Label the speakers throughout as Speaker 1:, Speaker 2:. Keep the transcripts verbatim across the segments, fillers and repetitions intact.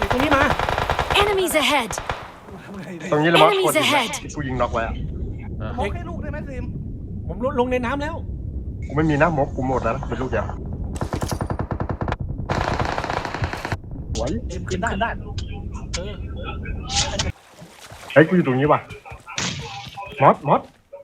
Speaker 1: ตรงนี้มา
Speaker 2: Enemies ahead
Speaker 3: ตรงนี้เลยมั้ง
Speaker 2: Enemies
Speaker 3: คนยิง
Speaker 2: ahead
Speaker 3: ที่กูยิงน็อกไว้อะ
Speaker 4: มกให้ลูกได้ไหมซิม
Speaker 1: ผมลงลงในน้ำแล้ว
Speaker 3: กูไม่มีหน้ามกกูหมดแล้วนะเป็นลูกเดียวไหว
Speaker 4: ซิมขึ้นได้ได้
Speaker 1: เออ
Speaker 3: เฮ้ยกูอยู่ตรงนี้ว่ะมอสมอส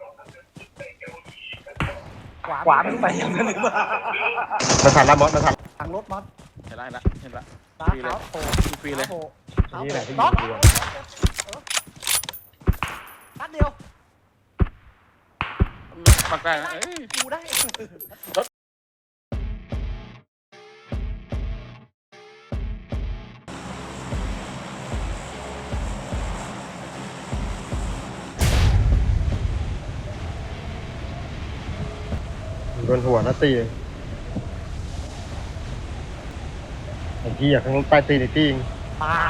Speaker 4: ขวาขวามันไปอย่างนั้นหรือเปล่า
Speaker 3: มาทันละมอสมาทัน
Speaker 4: ทางรถมอส
Speaker 5: เห็นละเห็นละเห็นละ
Speaker 4: ตา
Speaker 5: ฟรีเล
Speaker 4: ขาย วโผล่
Speaker 5: ฟรีเลย
Speaker 4: โผล่ขา
Speaker 3: นี่แหละที่
Speaker 4: น็
Speaker 3: ยิ
Speaker 4: อก
Speaker 3: งกูอะ
Speaker 4: นัดเดียว
Speaker 5: ปักได้นะเอ้ย
Speaker 4: กูได้
Speaker 3: โดนหัวนะตีไอ้ที่อยากข้างใต้ตีนไอ้ตีง
Speaker 4: ปา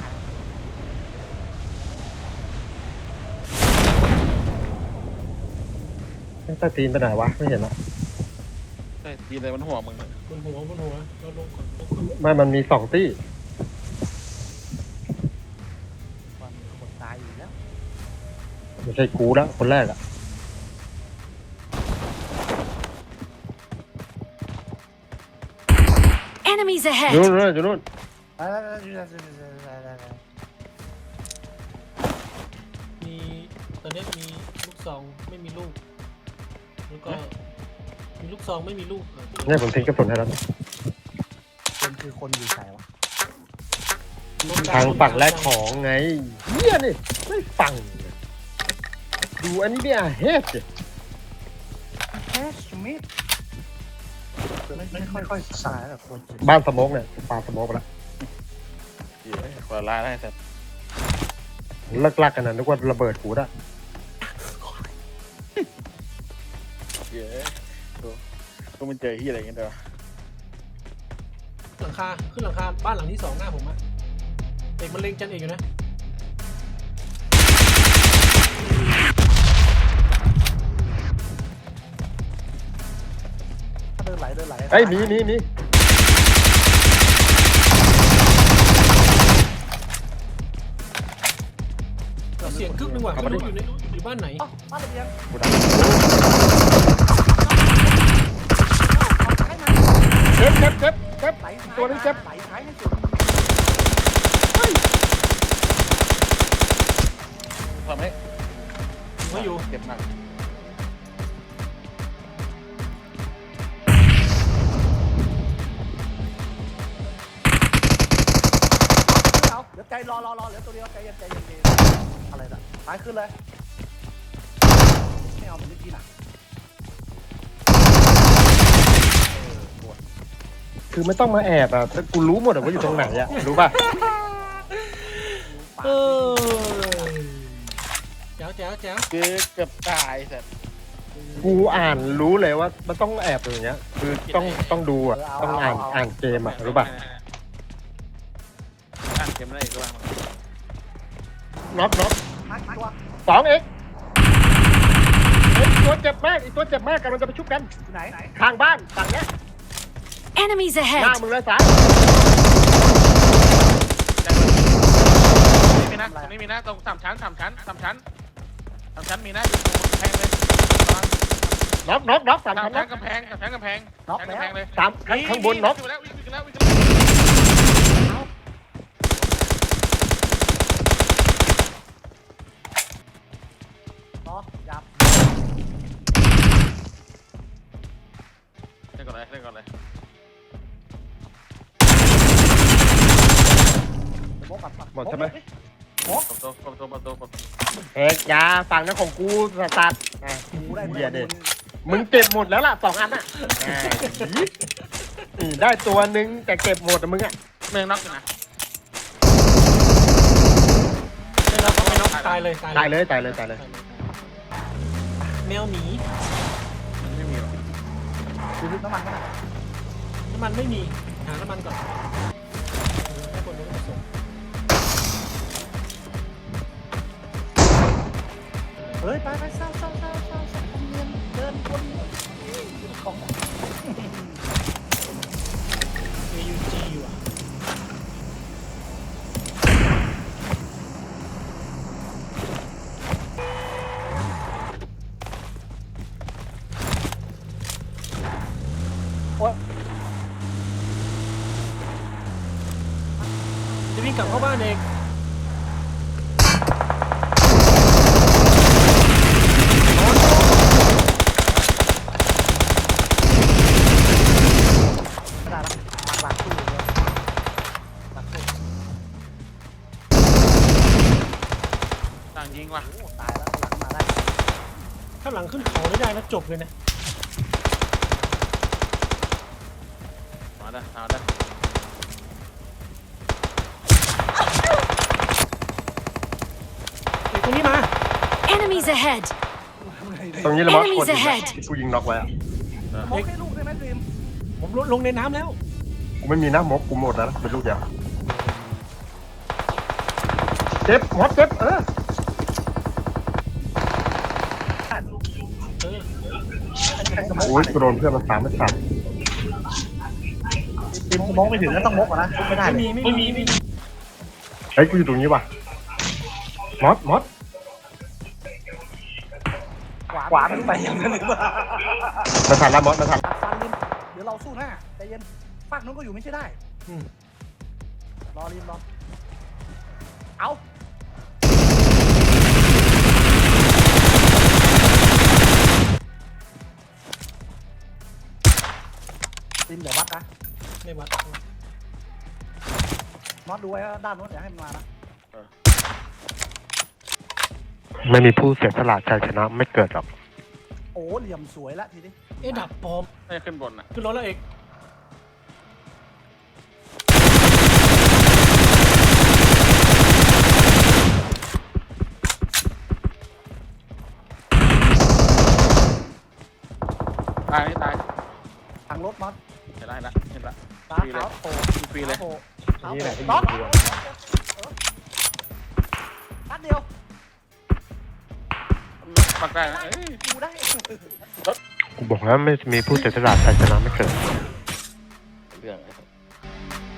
Speaker 3: ใต้ตีนไปไหนวะไม่เห็นละ
Speaker 5: เฮ้ยทีเลยมันหัวมึง
Speaker 1: บนหัวบนหัวเราลงก่อนลงก่อน
Speaker 3: ไม่มันมีสองตี้
Speaker 4: ความคนตายอยู่แล้ว
Speaker 3: ไม่ใช่กูแล้วคนแรกอะ
Speaker 2: Enemies
Speaker 3: อยู่
Speaker 2: ahead
Speaker 3: นู่นอยู่นู่น
Speaker 1: มีตอนนี้มีลูกซองไม่มีลูกแล้วก็มีลูกซองไม่มีลูกเออ
Speaker 3: เนี่ยผมทิ้งกระสุนให้แล้ว
Speaker 4: คนคือคนอยู่ไหนวะ
Speaker 3: ทางฝั่งแรกของไงเฮียนี่ไม่ฟังเลยดูอันนี้เนี่ยเฮ็ดสิ
Speaker 4: แคชมิดไม่ไม่ค่อยค่อยสายแบบคนจริง
Speaker 3: บ้านสโมกเนี่ยปาสโมกไปแล้ว
Speaker 5: เหี้ยคนละลายได้แต่
Speaker 3: เลิกลักกันนะนึกว่าระเบิดกูได้
Speaker 5: เหี้ยดูก็มันเจอที่อะไรอย่างเงี้ยเด้อ
Speaker 1: หลังคาขึ้นหลังคาบ้านหลังที่สองหน้าผมอะเอกมันเล็งจันเอกอยู่นะ
Speaker 4: เดินไหลเดินไหล
Speaker 3: เอ้ยมีมีมี
Speaker 1: เสียงกึกนึงว่ะไม่รู้อยู่ในอยู่บ้านไหน
Speaker 4: อ๋อบ้านระเบียง
Speaker 3: กูดัง
Speaker 4: ให้มัน
Speaker 3: เจ็บเจ็บเจ็บเจ็บ
Speaker 4: ไหลซ้าย
Speaker 3: ตัวนี้เจ็บ
Speaker 4: ไหลซ้ายให้สุด
Speaker 5: ทำให้
Speaker 1: ไม่อยู่
Speaker 5: เจ็บหนัก
Speaker 4: เอาเดี๋ยวใจรอรอรอเหลือตัวเดียวใจเย็นใจเย็นใจเย็นอะไรน่ะซ้ายขึ้นเลยไม่เอาเหมือนเมื่อกี้น่ะ
Speaker 3: คือไม่ต้องมาแอบอ่ะแต่กูรู้หมดอะว่าอยู่ตรงไหนอ่ะรู้ป่ะ
Speaker 1: เออแจ๋วแจ๋วแจ๋ว
Speaker 5: คือเกือบตายแต่
Speaker 3: กูอ่านรู้เลยว่ามันต้องแอบอย่างเงี้ย คือต้องต้องดูอ่ะต้องอ่านอ่านเกมอ่ะรู้ป่ะ
Speaker 5: อ่านเกมอะไรก็ว่ามา
Speaker 3: น็อกน็อก
Speaker 4: ทักตัว
Speaker 3: สองเอ็กเฮ้ยตัวเจ็บมากอีกตัวเจ็บมากกันมันจะไปชุบกัน
Speaker 4: อยู่ไหนไหน
Speaker 3: ทางบ้านฝั่งเนี้ย
Speaker 2: Enemies
Speaker 3: หน้า
Speaker 2: ahead
Speaker 3: มึงเลยสาย
Speaker 5: ไม่มีนะตรงนี้มีนะตรงสามชั้นสามชั้นสามชั้นสามชั้นมีนะแพงเลย
Speaker 3: น็อกน็อกน็อกสาม
Speaker 5: สาม
Speaker 3: ชั้นน็
Speaker 5: ชั้
Speaker 3: อน ก
Speaker 5: กำแพงสามชั้นกำแพงชั้นกำแพงเลย
Speaker 3: สามข้างข้างบนน็อก
Speaker 5: วิ่งแล้ววิ่งแล้ววิ่ง
Speaker 4: ต่อยับ
Speaker 5: เล่นก่อนเลยเล่นก่อนเลย
Speaker 4: เดี๋ยวโบกัดปัก
Speaker 3: หมดใช่ไหม
Speaker 5: กดตัวกดตัวกดตัวกด
Speaker 3: เอกยาฝั่งนั้นของกูสัตว์อ่ะ
Speaker 4: กูได้
Speaker 3: เหี้ยเด็ดมึงเก็บหมดแล้วล่ะสองอันอ่ะอ่าอืมได้ตัวหนึงแต่เก็บหมดอะมึงอ่ะ
Speaker 5: เมืองน็อกอยู่นะ
Speaker 1: ไม่น็อกไม่น็อกตายเลย
Speaker 3: ตายเลยตายเลยตายเลย
Speaker 1: แมวหนี
Speaker 5: ไม่มีหรอก
Speaker 4: ดูน้ำมันกัน
Speaker 1: น้ำมันไม่มีหาน้ำมันก่อนให้คนรู้ส่ง
Speaker 4: เฮ้ยไปไปเศร้าเศร้าเศร้าเศร้าเศร้าเงินเดินคนของ
Speaker 1: เอยูจีอยู่อ่ะวิ่งกลับเข้าบ้านเอง
Speaker 4: ไม่ได้แล้วปักหลักตู้อยู่เลยหลักตู้
Speaker 5: ต่างยิงว่ะ
Speaker 4: โอ้ตายแล้วหลังมาได้
Speaker 1: ถ้าหลังขึ้นเขาไม่ได้นะจบเลยนะ
Speaker 5: มาได้มาได้
Speaker 1: เอกตรงนี้มา
Speaker 2: Enemies ahead!
Speaker 3: ตรงนี้เลยมั้ง
Speaker 2: Enemies
Speaker 3: คนยิงอะ
Speaker 2: ahead
Speaker 3: ที่กูยิงน็อกไว้อะ
Speaker 4: มองให้ลูกได้ไหมดรีม
Speaker 1: ผมลงลงในน้ำแล้ว
Speaker 3: กูไม่มีนะมกกูหมดแล้วนะเป็นลูกเดียวเจ็บมดเจ็บเออ
Speaker 1: เออ
Speaker 3: โอ้ยกูโดนเพื่อนมันสามไม่สาม
Speaker 4: ดรีมกูมองไม่ถึงแล้วต้องมกอ่ะนะชุบไม่ได้
Speaker 1: ไม่
Speaker 4: เลย
Speaker 1: มีไม่มีไม่มี
Speaker 3: เฮ้ยกูอยู่ตรงนี้ว่ะมดมด
Speaker 4: ขวามันไปอย่างนั้นหรือเปล่า
Speaker 3: มาทันละมดมาทัน
Speaker 4: ตัดฟันริมเดี๋ยวเราสู้หน้าใจเย็นฝากนู้นก็อยู่ไม่ใช่ได้
Speaker 1: อืม
Speaker 4: รอริมรอเอาริมเดี๋ยววัดนะ
Speaker 1: ไม่วัด
Speaker 4: มอสดูไว้ว่าด้านโน้นอย่าให้มันมานะ
Speaker 3: ไม่มีผู้เสียสละชัยชนะไม่เกิดหรอก
Speaker 4: โอ้เหลี่ยมสวยละทีนี้
Speaker 1: เอ๊ะดับปลอม
Speaker 5: ไม่ขึ้นบนอ่ะ
Speaker 1: ขึ้นรถแล้วเอก
Speaker 5: ตายไม่ตาย
Speaker 4: ทางรถมอส
Speaker 5: เห็นละเห็นละเห็นละ
Speaker 4: ตา
Speaker 5: ฟรีเลย
Speaker 4: เท้าโผล่
Speaker 5: ฟรีเลย
Speaker 4: เท้าโผล่เท้า
Speaker 3: นี่
Speaker 4: โผ
Speaker 3: แห
Speaker 4: ล่
Speaker 3: ละที่
Speaker 4: น็อต
Speaker 3: ยิงกูอะ
Speaker 4: นัดเดียว
Speaker 5: ปักได้นะเอ้ย
Speaker 4: กูได้
Speaker 3: กูบอกแล้วไม่มีผู้เสียสละชัยชนะไม่เกิด
Speaker 5: เรื่องอะไร